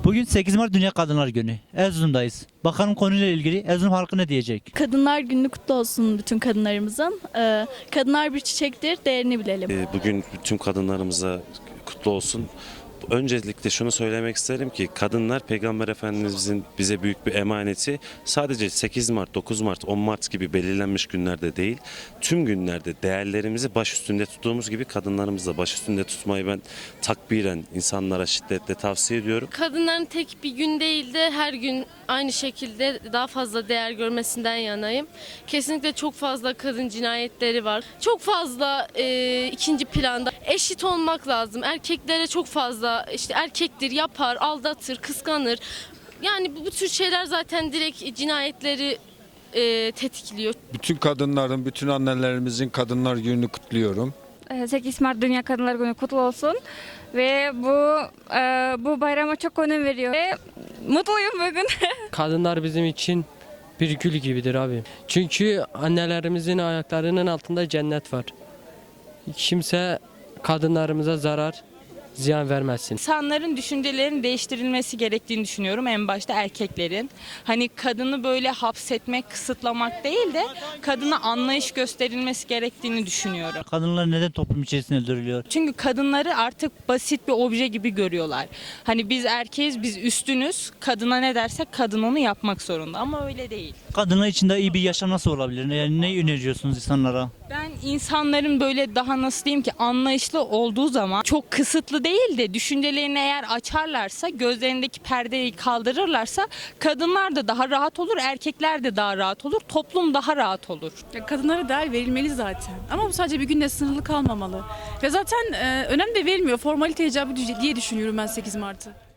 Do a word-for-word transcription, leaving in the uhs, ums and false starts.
Bugün sekiz Mart Dünya Kadınlar Günü. Erzurum'dayız. Bakalım konuyla ilgili Erzurum halkı ne diyecek? Kadınlar Günü kutlu olsun bütün kadınlarımızın. Ee, kadınlar bir çiçektir, değerini bilelim. Ee, Bugün tüm kadınlarımıza kutlu olsun. Öncelikle şunu söylemek isterim ki kadınlar Peygamber Efendimizin bize büyük bir emaneti. Sadece sekiz Mart, dokuz Mart, on Mart gibi belirlenmiş günlerde değil, tüm günlerde değerlerimizi baş üstünde tuttuğumuz gibi kadınlarımızı da baş üstünde tutmayı ben takbiren insanlara şiddetle tavsiye ediyorum. Kadınların tek bir gün değil de her gün aynı şekilde daha fazla değer görmesinden yanayım. Kesinlikle çok fazla kadın cinayetleri var. Çok fazla e, ikinci planda eşit olmak lazım. Erkeklere çok fazla işte erkektir, yapar, aldatır, kıskanır. Yani bu, bu tür şeyler zaten direkt cinayetleri e, tetikliyor. Bütün kadınların, bütün annelerimizin Kadınlar Günü'nü kutluyorum. sekiz Mart Dünya Kadınlar Günü kutlu olsun ve bu e, bu bayrama çok önem veriyor ve mutluyum bugün. Kadınlar bizim için bir gül gibidir abi. Çünkü annelerimizin ayaklarının altında cennet var. Kimse kadınlarımıza zarar, ziyan vermesin. İnsanların düşüncelerinin değiştirilmesi gerektiğini düşünüyorum, en başta erkeklerin. Hani kadını böyle hapsetmek, kısıtlamak değil de kadına anlayış gösterilmesi gerektiğini düşünüyorum. Kadınlar neden toplum içerisinde öldürülüyor? Çünkü kadınları artık basit bir obje gibi görüyorlar. Hani biz erkeğiz, biz üstünüz. Kadına ne dersek kadın onu yapmak zorunda ama öyle değil. Kadınlar için de iyi bir yaşam nasıl olabilir? Yani ne öneriyorsunuz insanlara? Ben insanların böyle daha nasıl diyeyim ki anlayışlı olduğu zaman çok kısıtlı değil de düşüncelerini eğer açarlarsa, gözlerindeki perdeyi kaldırırlarsa kadınlar da daha rahat olur, erkekler de daha rahat olur, toplum daha rahat olur. Ya kadınlara değer verilmeli zaten. Ama bu sadece bir günde sınırlı kalmamalı. Ve zaten e, önem de verilmiyor. Formalite icabı diye düşünüyorum ben sekiz Mart'ı.